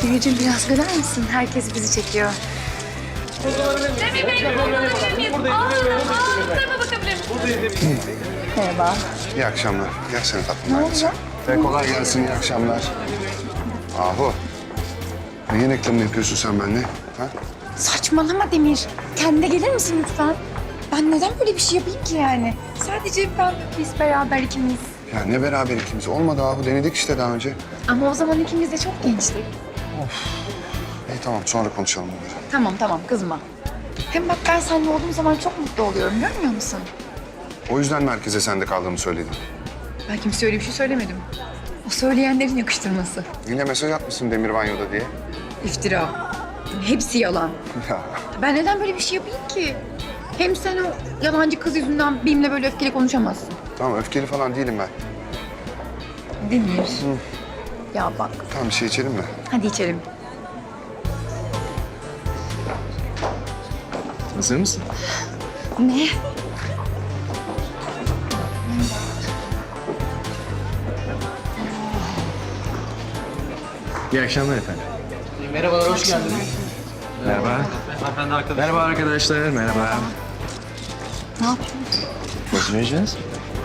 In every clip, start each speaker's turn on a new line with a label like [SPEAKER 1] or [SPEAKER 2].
[SPEAKER 1] Demirciğim biraz güler misin? Herkes bizi çekiyor.
[SPEAKER 2] Demir Bey, bakabilir miyiz? Bu tarafa bakabilir miyim?
[SPEAKER 1] Merhaba.
[SPEAKER 3] İyi akşamlar. Gelsene tatlım.
[SPEAKER 1] Ne oldu?
[SPEAKER 3] Kolay gelsin, iyi akşamlar. Ahu. Neyin reklamını yapıyorsun sen benimle? Ha?
[SPEAKER 1] Saçmalama Demir. Kendine gelir misin lütfen? Ben neden böyle bir şey yapayım ki yani? Sadece biz beraber ikimiz.
[SPEAKER 3] Ya ne beraber ikimiz? Olmadı Ahu. Denedik işte daha önce.
[SPEAKER 1] Ama o zaman ikimiz de çok gençtik.
[SPEAKER 3] İyi tamam, sonra konuşalım bunları.
[SPEAKER 1] Tamam kızma. Hem bak ben seninle olduğum zaman çok mutlu oluyorum, görmüyor musun?
[SPEAKER 3] O yüzden merkeze sende kaldığımı söyledim.
[SPEAKER 1] Ben kimseye öyle bir şey söylemedim. O söyleyenlerin yakıştırması.
[SPEAKER 3] Yine mesaj atmışsın Demir Banyo'da diye.
[SPEAKER 1] İftira. Hepsi yalan.
[SPEAKER 3] Ya
[SPEAKER 1] Ben neden böyle bir şey yapayım ki? Hem sen o yalancı kız yüzünden benimle böyle öfkeli konuşamazsın.
[SPEAKER 3] tamam, öfkeli falan değilim ben.
[SPEAKER 1] Demir. Ya bak.
[SPEAKER 3] Tamam, bir şey içelim mi?
[SPEAKER 1] Hadi içelim.
[SPEAKER 4] Hazır mısın?
[SPEAKER 1] Ne?
[SPEAKER 4] İyi akşamlar efendim.
[SPEAKER 5] Merhabalar, hoş geldiniz.
[SPEAKER 4] Merhaba.
[SPEAKER 5] Hanımefendi arkadaşlar.
[SPEAKER 4] Merhaba arkadaşlar, merhaba.
[SPEAKER 1] Ne yapıyorsun?
[SPEAKER 4] Nasıl yiyeceğiz?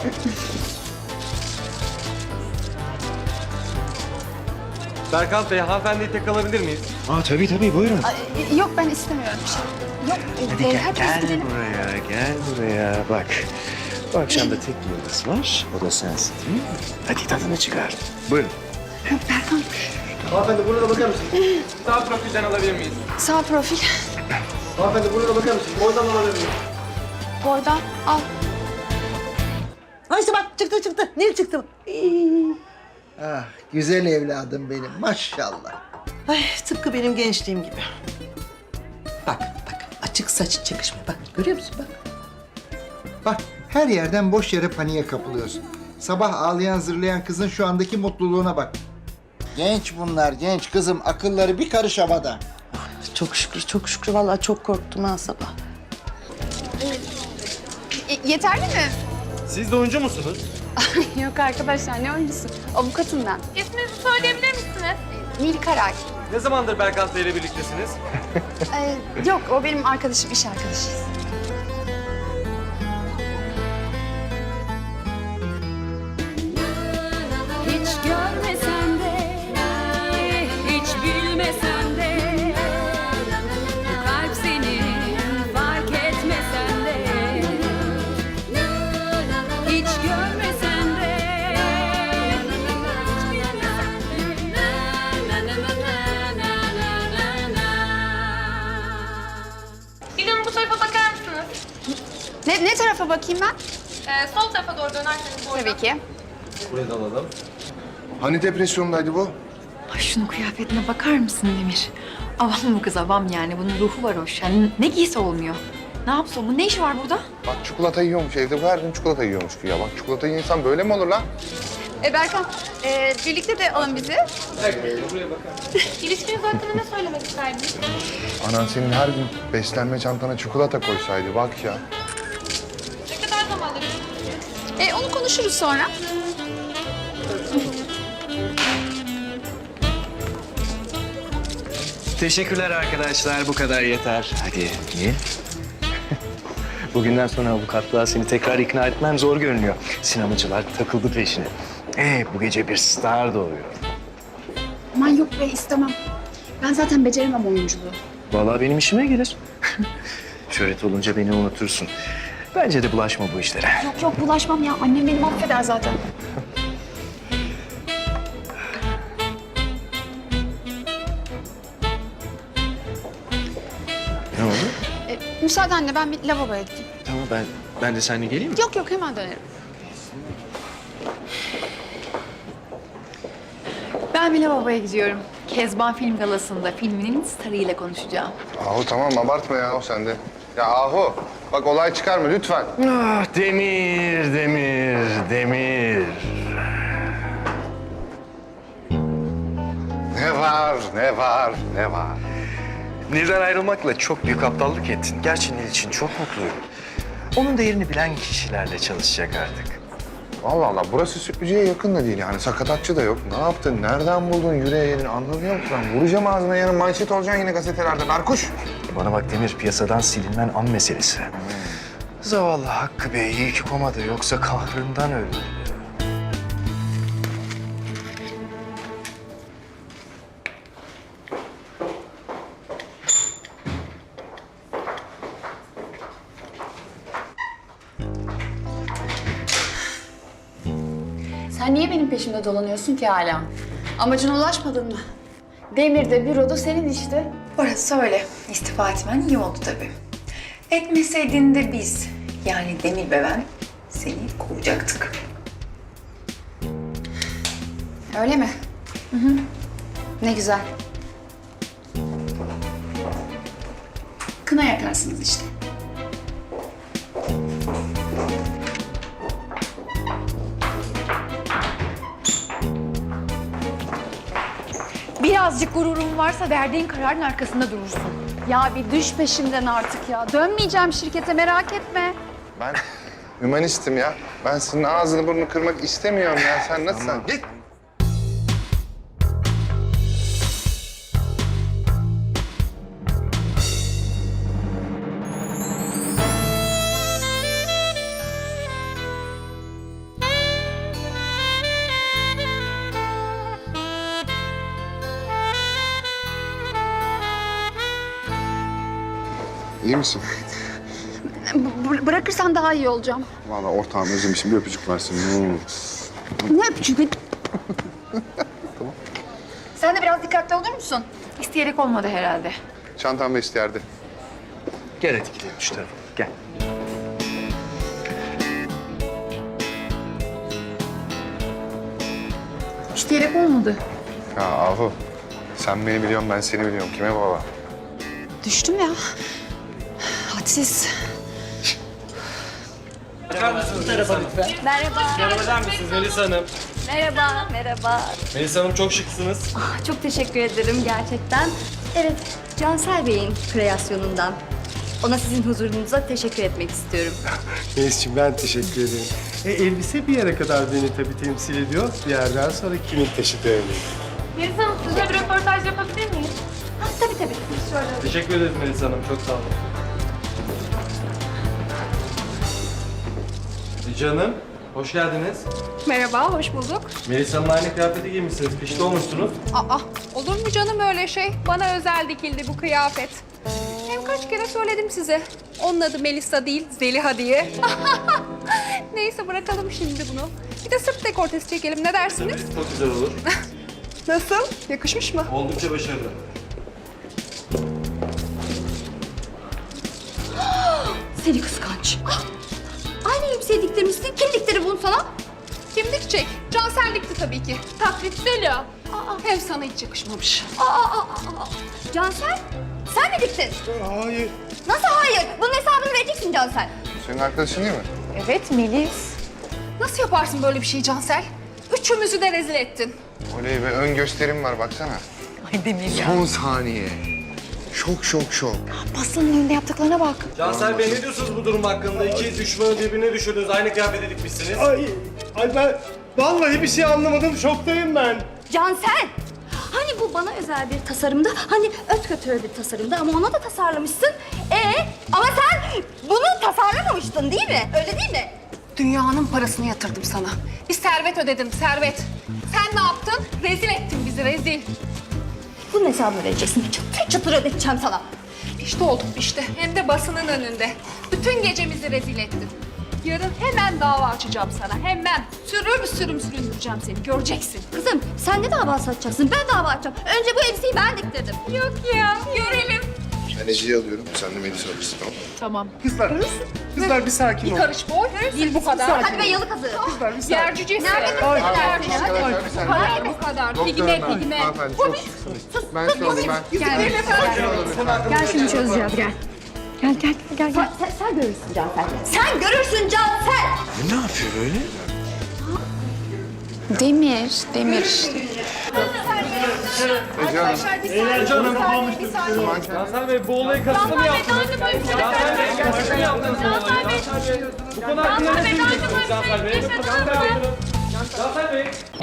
[SPEAKER 5] Berkant Bey, hanımefendiyi tek alabilir miyiz?
[SPEAKER 4] Tabii buyurun.
[SPEAKER 1] Yok ben istemiyorum bir şey. Yok.
[SPEAKER 4] Hadi gel buraya, gel buraya. Bak, bu akşam da tek bir yıldız var. O da sensin değil mi? Hadi tadını çıkar. Buyurun.
[SPEAKER 1] Berkan.
[SPEAKER 5] Hanımefendi burada bakar mısınız? Sağ profilden alabilir miyiz?
[SPEAKER 1] Sağ profil.
[SPEAKER 5] Hanımefendi burada bakar mısınız? Oradan alabilir miyiz?
[SPEAKER 1] Oradan al.
[SPEAKER 6] Ha işte bak çıktı. Nil çıktı.
[SPEAKER 7] Ah, güzel evladım benim maşallah.
[SPEAKER 6] Ay tıpkı benim gençliğim gibi. Bak açık saç çakışma bak görüyor musun bak.
[SPEAKER 7] Bak her yerden boş yere paniğe kapılıyorsun. Sabah ağlayan zırlayan kızın şu andaki mutluluğuna bak. Genç bunlar genç kızım, akılları bir karış havada.
[SPEAKER 6] Çok şükür vallahi çok korktum ha sabah.
[SPEAKER 1] Yeterli mi?
[SPEAKER 5] Siz de oyuncu musunuz?
[SPEAKER 1] Yok arkadaşlar ne oyuncusu? Avukatım ben.
[SPEAKER 2] İsminizi söyleyebilir misiniz?
[SPEAKER 1] Nil Karay.
[SPEAKER 5] Ne zamandır Berkant Bey ile birliktesiniz?
[SPEAKER 1] Yok o benim arkadaşım, iş arkadaşıyız.
[SPEAKER 8] Hiç görmesen de, hiç bilmesen de, bu kalp senin fark etmesen de, hiç görmesen de,
[SPEAKER 2] Bir hanım bu tarafa bakar mısınız?
[SPEAKER 1] Ne tarafa bakayım ben?
[SPEAKER 2] Sol tarafa doğru dönerseniz oradan.
[SPEAKER 1] Tabii ki.
[SPEAKER 5] Buraya da alalım.
[SPEAKER 3] Hani depresyondaydı bu?
[SPEAKER 1] Ay şunun kıyafetine bakar mısın Demir? Avam bu kız avam yani. Bunun ruhu var hoş. Yani ne giyse olmuyor. Ne yapsın? Bu ne işi var burada?
[SPEAKER 3] Bak çikolata yiyormuş evde. Bu her gün çikolata yiyormuş ya. Bak çikolata yiyen insan böyle mi olur lan?
[SPEAKER 1] Berkan, birlikte de alın bizi.
[SPEAKER 2] İlişkiniz hakkında ne söylemek isterdiniz?
[SPEAKER 3] Anan senin her gün beslenme çantana çikolata koysaydı bak ya.
[SPEAKER 2] Ne kadar zamandır?
[SPEAKER 1] Onu konuşuruz sonra.
[SPEAKER 4] Teşekkürler arkadaşlar, bu kadar yeter. Hadi, Nil. Bugünden sonra avukatlığa seni tekrar ikna etmem zor görünüyor. Sinemacılar takıldı peşine. Bu gece bir star doğuyor.
[SPEAKER 1] Aman yok be istemem. Ben zaten beceremem oyunculuğu.
[SPEAKER 4] Vallahi benim işime gelir. Şöhret olunca beni unutursun. Bence de bulaşma bu işlere.
[SPEAKER 1] Yok bulaşmam ya. Annem beni affeder zaten.
[SPEAKER 4] Ne oldu?
[SPEAKER 1] Müsaadenle ben bir lavaboya gideyim.
[SPEAKER 4] Tamam ben de seninle geleyim mi?
[SPEAKER 1] Yok hemen dönerim. Ben bir lavaboya gidiyorum. Kezban Film Galası'nda filminin starıyla konuşacağım.
[SPEAKER 3] Ahu tamam abartma ya o sende. Ya Ahu bak olay çıkarma lütfen.
[SPEAKER 4] Ah Demir.
[SPEAKER 3] Ne var?
[SPEAKER 4] Nil'den ayrılmakla çok büyük aptallık ettin. Gerçi Nil için çok mutluyum. Onun değerini bilen kişilerle çalışacak artık.
[SPEAKER 3] Allah Allah, burası sürücüye yakın da değil yani. Sakatatçı da yok. Ne yaptın? Nereden buldun yüreğini? Anlamıyor musun? Lan vuracağım ağzına, yarın manşet olacaksın yine gazetelerde. Berkuş!
[SPEAKER 4] Bana bak Demir, piyasadan silinen an meselesi. Zavallı Hakkı Bey iyi ki komada, yoksa kahrından öldü.
[SPEAKER 9] Sen niye benim peşimde dolanıyorsun ki hala? Amacına ulaşmadın mı? Demir'de, büroda senin işte.
[SPEAKER 1] Orası öyle. İstifa etmen iyi oldu tabii. Etmeseydin de biz, yani Demir ve ben seni kovacaktık.
[SPEAKER 9] Öyle mi? Ne güzel. Kına yakarsınız işte.
[SPEAKER 1] Birazcık gururun varsa verdiğin kararın arkasında durursun.
[SPEAKER 9] Ya bir düş peşimden artık ya. Dönmeyeceğim şirkete, merak etme.
[SPEAKER 3] Ben hümanistim ya. Ben senin ağzını burnunu kırmak istemiyorum ya. Sen nasılsın? Git! İyi misin?
[SPEAKER 9] Bırakırsan daha iyi olacağım.
[SPEAKER 3] Vallahi ortağım özlemişim. Bir öpücük versin.
[SPEAKER 9] Ne öpücüğü? Sen de biraz dikkatli olur musun?
[SPEAKER 1] İsteyerek olmadı herhalde.
[SPEAKER 3] Çantam da isterdi.
[SPEAKER 4] Gel hadi gidelim şu tarafa, gel.
[SPEAKER 1] İsteyerek olmadı.
[SPEAKER 3] Ya Ahu, sen beni biliyorsun, ben seni biliyorum. Kime baba?
[SPEAKER 9] Düştüm ya. Hadsiz.
[SPEAKER 8] Merhaba.
[SPEAKER 5] Merhaba der misiniz Melisa Hanım?
[SPEAKER 8] Merhaba, merhaba.
[SPEAKER 5] Melisa Hanım çok şıksınız.
[SPEAKER 8] Çok teşekkür ederim gerçekten. Evet, Cansel Bey'in kreasyonundan. Ona sizin huzurunuza teşekkür etmek istiyorum.
[SPEAKER 10] Melis'ciğim ben teşekkür ederim. Elbise bir yere kadar beni tabii temsil ediyor. Bir yerden sonra kimin taşıdığı önemli.
[SPEAKER 2] Melis Hanım sizinle bir röportaj yapabilir miyiz?
[SPEAKER 8] Tabii tabii.
[SPEAKER 5] Teşekkür ederiz Melisa Hanım. Çok sağ olun. Canım, hoş geldiniz.
[SPEAKER 2] Merhaba, hoş bulduk.
[SPEAKER 5] Melisa Hanım'la aynı kıyafeti giymişsiniz. Pişti olmuşsunuz.
[SPEAKER 2] Aa, olur mu canım öyle şey? Bana özel dikildi bu kıyafet. Hem kaç kere söyledim size. Onun adı Melisa değil, Zeliha diye. Neyse bırakalım şimdi bunu. Bir de sırt dekoltesi çekelim, ne dersiniz?
[SPEAKER 5] Çok güzel olur.
[SPEAKER 2] Nasıl? Yakışmış mı?
[SPEAKER 5] Oldukça başarılı.
[SPEAKER 8] Seni kıskanç. Aynı elbiseyi diktirmişsin. Kim diktirdi bunu sana?
[SPEAKER 2] Kim dikecek? Cansel dikti tabii ki. Taklit Zeliha. Hem sana hiç yakışmamış.
[SPEAKER 8] Cansel, sen mi diktin?
[SPEAKER 10] Hayır.
[SPEAKER 8] Nasıl hayır? Bunun hesabını vereceksin Cansel.
[SPEAKER 3] Senin arkadaşın değil mi?
[SPEAKER 1] Evet Melis.
[SPEAKER 2] Nasıl yaparsın böyle bir şeyi Cansel? Üçümüzü de rezil ettin.
[SPEAKER 3] Oley be, ön gösterim var baksana.
[SPEAKER 1] Ay Demir ya.
[SPEAKER 3] Son saniye. Şok.
[SPEAKER 1] Aslı'nın önünde yaptıklarına bak.
[SPEAKER 5] Cansel Bey ne diyorsunuz bu durum hakkında? İki düşmanı birbirine düşürdünüz. Aynı kıyafeti dikmişsiniz.
[SPEAKER 10] Ay ben vallahi bir şey anlamadım. Şoktayım ben.
[SPEAKER 8] Cansel! Hani bu bana özel bir tasarımda, hani ötkötü bir tasarımda ama ona da tasarlamışsın. Ama sen bunu tasarlamamıştın değil mi? Öyle değil mi?
[SPEAKER 2] Dünyanın parasını yatırdım sana. Bir servet ödedim, servet. Sen ne yaptın? Rezil ettin bizi, rezil.
[SPEAKER 8] Bunun hesabını vereceksin. Çıtır çıtır ödeteceğim sana.
[SPEAKER 2] İşte olduk işte. Hem de basının önünde. Bütün gecemizi rezil ettin. Yarın hemen dava açacağım sana, hemen. Sürüm süründüreceğim seni, göreceksin.
[SPEAKER 8] Kızım sen de dava açacaksın, ben dava açacağım. Önce bu elbiseyi ben diktirdim.
[SPEAKER 2] Yok ya, görelim.
[SPEAKER 3] Ben Ece'yi alıyorum, sen de Melis'i alırsın, tamam mı?
[SPEAKER 10] Kızlar bir sakin olun.
[SPEAKER 2] Karış boy, değil bu kadar.
[SPEAKER 8] Hadi be yalı kazı.
[SPEAKER 2] Yer cücesi.
[SPEAKER 8] Nerede kızım?
[SPEAKER 3] Arkadaşlar bir saniye.
[SPEAKER 2] Hayır bu kadar.
[SPEAKER 3] Doktorum
[SPEAKER 2] Pigme,
[SPEAKER 3] ben.
[SPEAKER 2] pigme.
[SPEAKER 3] Hanımefendi çok şıksınız. Ben size alayım ben.
[SPEAKER 1] Gel şimdi çözeceğiz gel. Gel.
[SPEAKER 8] Sen görürsün Cansel. Sen görürsün Cansel.
[SPEAKER 4] Ne yapıyor böyle?
[SPEAKER 9] Demir işte.
[SPEAKER 3] Ece Hanım.
[SPEAKER 5] Cansel Bey bu olayı kasıtlı mı yaptınız? Cansel Bey kasıtlı mı yaptınız bu olayı? Cansel Bey bu konu hakkında ne söyleyeceksiniz? Cansel Bey. Cansel Bey. Cansel Bey.